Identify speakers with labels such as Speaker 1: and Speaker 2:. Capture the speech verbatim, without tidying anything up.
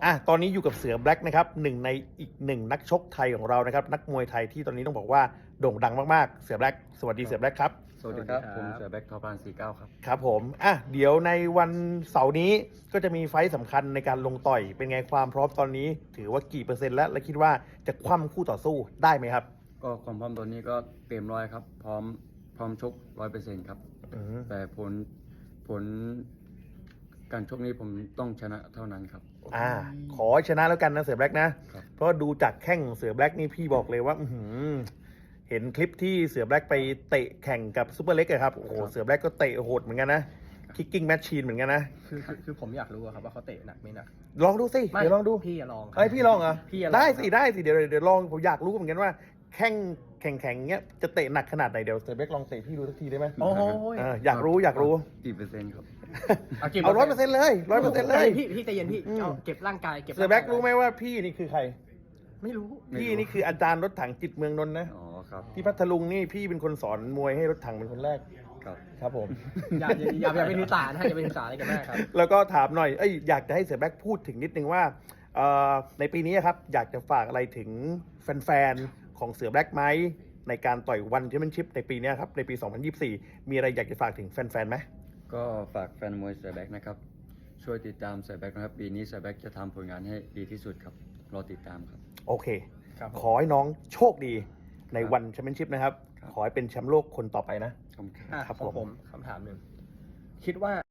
Speaker 1: อ่ะตอนนี้อยู่กับเสือแบล็กนะครับหนึ่งในอีกหนึ่งนักชกไทยของเรานะครับนักมวยไทยที่ตอนนี้ต้องบอกว่าโด่งดังมากๆเสือแบล็กสวัสดีเสือแบล็กครับ
Speaker 2: สวัสดีครับ
Speaker 3: สวัสดีครับ
Speaker 2: ผมเสือแบ็คทอพานสี่เก้าครับ
Speaker 1: ครับผมอ่ะเดี๋ยวในวันเสาร์นี้ก็จะมีไฟต์สำคัญในการลงต่อย เป็นไงความพร้อมตอนนี้ ถือว่ากี่เปอร์เซ็นต์แล้ว และคิดว่าจะคว่ำคู่ต่อสู้ได้ไหมครับ
Speaker 2: ก็ความพร้อมตัวนี้ก็เต็มร้อยครับ พร้อมพร้อมชกร้อยเปอร์เซ็นต์ครับ
Speaker 1: อืม
Speaker 2: แต่ผลผลการชกนี้ผมต้องชนะเท่านั้นครับ
Speaker 1: อ่าขอให้ชนะแล้วกันนะเสือแบล็กนะ
Speaker 2: ครับ
Speaker 1: เพราะดูจากแข้งเสือแบล็กนี่พี่บอกเลยว่าอื้อหือเห็นคลิปที่เสือแบล็กไปเตะแข่งกับซูเปอร์เล็กอะครับโอ้โหเสือแบล็กก็เตะโหดเหมือนกันนะคิกกิ้งแมชชีนเหมือนกันนะ
Speaker 3: คือคือคือผมอยากรู้อะครับว่าเขาเตะหนักไม่หนัก
Speaker 1: ลองดูสิเดี๋ยวลองดู
Speaker 3: พี่อย่าลองครับ
Speaker 1: เอ้ยพี่ลองเหรอ
Speaker 3: พี่อย่าลอง
Speaker 1: ได้สิได้สิเดี๋ยวเดี๋ยวลองผมอยากรู้เหมือนกันว่าแข้งแข่งแข่งเงี้ยจะเตะหนักขนาดไหนเดี๋ยวเสือแบล็กลองเตะพี่ดูสักทีได้ไหม
Speaker 3: โอ้โห
Speaker 1: เอออยากรู้อยากรู้
Speaker 2: กี่เปอร์เซ็นต์ครับ
Speaker 1: เอาร้อยเปอร์เซ็นต์เลยร้อยเปอร์เซ็นต์เลย
Speaker 3: พี่พี่ใจเย็นพี่
Speaker 1: อืม
Speaker 3: เอาเก็บร่างกายเก็บ
Speaker 1: เสือแบล็กรู้ไหมว่าพี่นี่คือใคร
Speaker 3: ไม่รู้
Speaker 2: ไม่รู้
Speaker 1: พี่นี่คืออาจารย์รถถังจิตเมืองนนท์นะ
Speaker 2: อ๋อครับ
Speaker 1: ที่พัทลุงนี่พี่เป็นคนสอนมวยให้รถถังเป็นคนแรก
Speaker 2: ครับ
Speaker 1: ครับผม
Speaker 3: อย่าอย่าอย่าอย่าไปถือสานะฮะอย่าไปถือสาอะไรกันมากครับ
Speaker 1: แล้วก็ถามหน่อยเอ้ยอยากจะให้เสือแบล็กพูดถึงนิดนึงว่าเอ่อในปีนี้ครับอยากจะฝากอะไรถึงแฟนๆของเสือแบล็กไหมในการต่อยวันแชมเปี้ยนชิพในปีนี้ครับในปี สองพันยี่สิบสี่ มีอะไรอยากจะฝากถึงแฟนๆไหม
Speaker 2: ก็ฝากแฟนมวยเสือแบ็คนะครับ ช่วยติดตามเสือแบ็คนะครับ ปีนี้เสือแบ็คจะทำผลงานให้ดีที่สุดครับ รอติดตามครับ
Speaker 1: โอเค
Speaker 3: ครับผม
Speaker 1: ขอให้น้องโชคดีในวันแชมเปี้ยนชิพนะครับ
Speaker 2: ครับ
Speaker 1: ขอให้เป็นแชมป์โลกคนต่อไปนะ
Speaker 2: ขอบคุณครับ
Speaker 3: อ่ะ
Speaker 1: ครับ
Speaker 3: ของ
Speaker 1: ผม
Speaker 3: ผมคำถามหนึ่งคิดว่า